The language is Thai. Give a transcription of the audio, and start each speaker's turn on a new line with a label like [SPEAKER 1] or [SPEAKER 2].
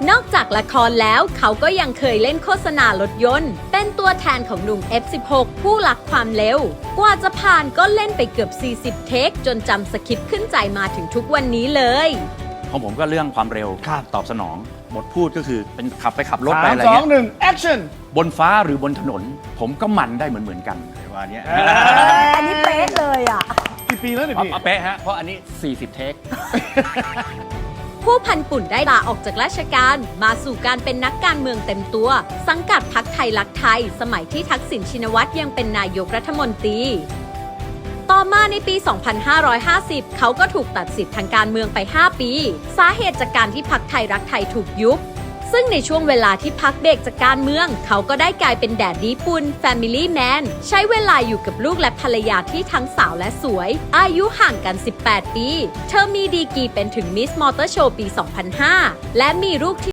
[SPEAKER 1] นอกจากละครแล้วเขาก็ยังเคยเล่นโฆษณารถยนต์ เป็นตัวแทนของหนุ่ม F16 ผู้รักความเร็ว กว่าจะผ่านก็เล่นไปเกือบ 40 เทคจนจำสคริปต์ขึ้นใจมาถึงทุกวันนี้เลย
[SPEAKER 2] ของผมก็เรื่องความเร็ว
[SPEAKER 3] ครับ
[SPEAKER 2] ตอบสนองบทพูดก็คือเป็นขับรถไป
[SPEAKER 3] 3
[SPEAKER 2] อะไรเงี้ย
[SPEAKER 3] 2 1 action
[SPEAKER 2] บนฟ้าหรือบนถนน ผมก็มันได้เหมือนกันว่าเนี้ย
[SPEAKER 4] อันนี้เป๊ะเลยอ่ะ
[SPEAKER 3] กี่ปีแล้วเนี่ยพี่
[SPEAKER 2] เอาเป๊ะฮะเพราะอันนี้ 40 เทค
[SPEAKER 1] ผู้พันปุ่นได้ลาออกจากราชการมาสู่การเป็นนักการเมืองเต็มตัว สังกัดพรรคไทยรักไทย สมัยที่ทักษิณชินวัตรยังเป็นนายกรัฐมนตรี ต่อมาในปี 2550 เขาก็ถูกตัดสิทธิ์ทางการเมืองไป 5 ปี สาเหตุจากการที่พรรคไทยรักไทยถูกยุบ ซึ่งในช่วงเวลาที่พักเบรกจากการเมือง เขาก็ได้กลายเป็นแดดดี้ปุ่น Family Man ใช้เวลาอยู่กับลูกและภรรยาที่ทั้งสาวและสวย อายุห่างกัน 18 ปี เธอมีดีกรีเป็นถึงมิสมอเตอร์โชว์ปี 2005 และมีลูกที่